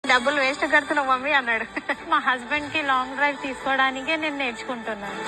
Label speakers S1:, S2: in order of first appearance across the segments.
S1: డబ్బులు waste కడుతున్నావు mummy అన్నాడు.
S2: మా హస్బెండ్ కి లాంగ్ డ్రైవ్ తీసుకోవడానికే నేను నేర్చుకుంటున్నాను.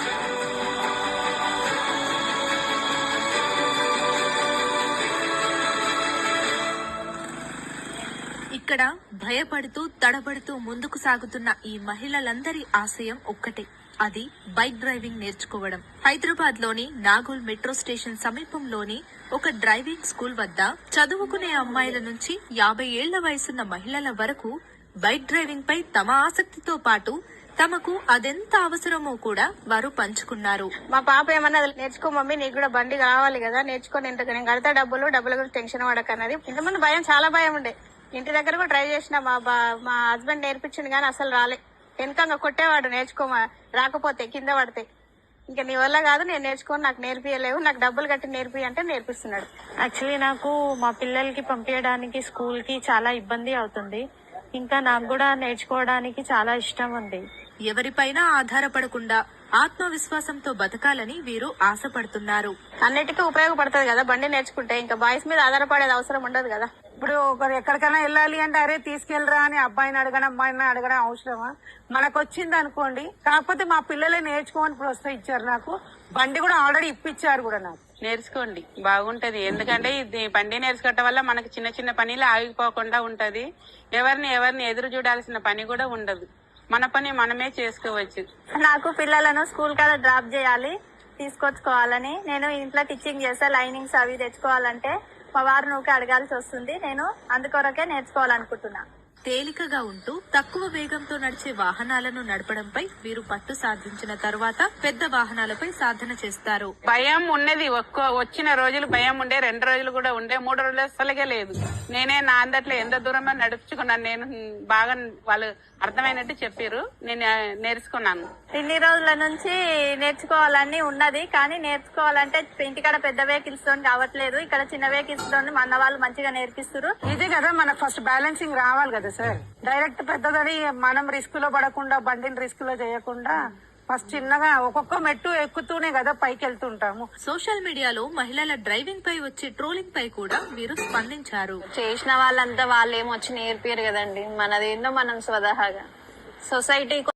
S3: ఇక్కడ భయపడుతూ తడబడుతూ ముందుకు సాగుతున్న ఈ మహిళలందరి ఆశయం ఒక్కటే, అది బైక్ డ్రైవింగ్ నేర్చుకోవడం. హైదరాబాద్ లోని నాగోల్ మెట్రో స్టేషన్ సమీపంలోని ఒక డ్రైవింగ్ స్కూల్ వద్ద చదువుకునే అమ్మాయిల నుంచి 50 ఏళ్ల వయసున్న మహిళల వరకు బైక్ డ్రైవింగ్ పై తమ ఆసక్తితో పాటు తమకు అదెంత అవసరమో కూడా వారు పంచుకున్నారు.
S1: మా పాప ఏమన్నా నేర్చుకో మమ్మీ, నీకు కూడా బండి కావాలి కదా, నేర్చుకొని నేను కడతా డబ్బుల గురించి టెన్షన్ పడకన్నది. ఇంతమంది భయం, చాలా భయం ఉండే. ఇంటి దగ్గర కూడా ట్రై చేసిన, మా హస్బెండ్ నేర్పించింది కానీ అసలు రాలే. వెనకంగా కొట్టేవాడు, నేర్చుకోమా రాకపోతే కింద పడితే. ఇంకా నీ వల్ల కాదు, నేను నేర్చుకోని, నాకు నేర్పియలేవు, నాకు డబ్బులు కట్టి నేర్పి అంటే నేర్పిస్తున్నాడు.
S2: యాక్చువల్లీ నాకు మా పిల్లలకి పంపించడానికి స్కూల్ కి చాలా ఇబ్బంది అవుతుంది. ఇంకా నాకు కూడా నేర్చుకోవడానికి చాలా ఇష్టం ఉంది.
S3: ఎవరిపైనా ఆధారపడకుండా ఆత్మవిశ్వాసంతో బతకాలని వీరు ఆశపడుతున్నారు.
S1: అన్నిటికీ ఉపయోగపడుతుంది కదా బండి నేర్చుకుంటే, ఇంకా బాయ్స్ మీద ఆధారపడేది అవసరం ఉండదు కదా.
S4: ఇప్పుడు ఒకరు ఎక్కడికైనా వెళ్ళాలి అంటే అరే తీసుకెళ్ళరా అని అబ్బాయిని అడగడం అమ్మాయిని అడగడం అవసరమా? మనకు వచ్చింది అనుకోండి. కాకపోతే మా పిల్లలే నేర్చుకోమని ప్రోత్సహించారు. నాకు బండి కూడా ఆల్రెడీ ఇప్పించారు కూడా. నాకు
S5: నేర్చుకోండి, బాగుంటది. ఎందుకంటే ఇది బండి నేర్చుకోవటం వల్ల మనకి చిన్న చిన్న పనిలు ఆగిపోకుండా ఉంటది. ఎవరిని ఎదురు చూడాల్సిన పని కూడా ఉండదు. మన పని మనమే చేసుకోవచ్చు.
S6: నాకు పిల్లలను స్కూల్ కాడ డ్రాప్ చేయాలి, తీసుకొచ్చుకోవాలని. నేను ఇంట్లో టీచింగ్ చేస్తే లైనింగ్స్ అవి తెచ్చుకోవాలంటే మా వారు నువ్వు అడగాల్సి వస్తుంది. నేను అందుకొరకే నేర్చుకోవాలనుకుంటున్నా.
S3: తేలికగా ఉంటూ తక్కువ వేగంతో నడిచే వాహనాలను నడపడంపై వీరు పట్టు సాధించిన తర్వాత పెద్ద వాహనాలపై సాధన చేస్తారు.
S5: భయం ఉన్నది, వచ్చిన రోజులు భయం ఉండే, 2 రోజులు కూడా ఉండే, 3 రోజులు అసలుగే లేదు. నేనే నా అందట్లో ఎంత దూరమో నడుపుకున్నాను. నేను బాగా వాళ్ళు అర్థమైనట్టు చెప్పారు, నేను నేర్చుకున్నాను.
S6: ఇన్ని రోజుల నుంచి నేర్చుకోవాలని ఉన్నది, కానీ నేర్చుకోవాలంటే ఇంటికాడ పెద్ద వెహికల్స్ తో కావట్లేదు. ఇక్కడ చిన్న వెహికల్స్ తో మన వాళ్ళు మంచిగా నేర్పిస్తారు.
S4: ఇదే కదా మనకు ఫస్ట్ బ్యాలెన్సింగ్ రావాలి కదా సార్. డైరెక్ట్ పెద్దదని మనం రిస్క్ లో పడకుండా, బండిని రిస్క్ లో చేయకుండా ఫస్ట్ చిన్నగా ఒక్కొక్క మెట్టు ఎక్కుతూనే కదా పైకి వెళ్తుంటాము.
S3: సోషల్ మీడియాలో మహిళల డ్రైవింగ్ పై వచ్చే ట్రోలింగ్ పై కూడా వీరు స్పందించారు.
S6: చేసిన వాళ్ళంతా వాళ్ళేమొచ్చి నేర్పారు కదండి, మనదేందో మనం స్వతహాగా సొసైటీ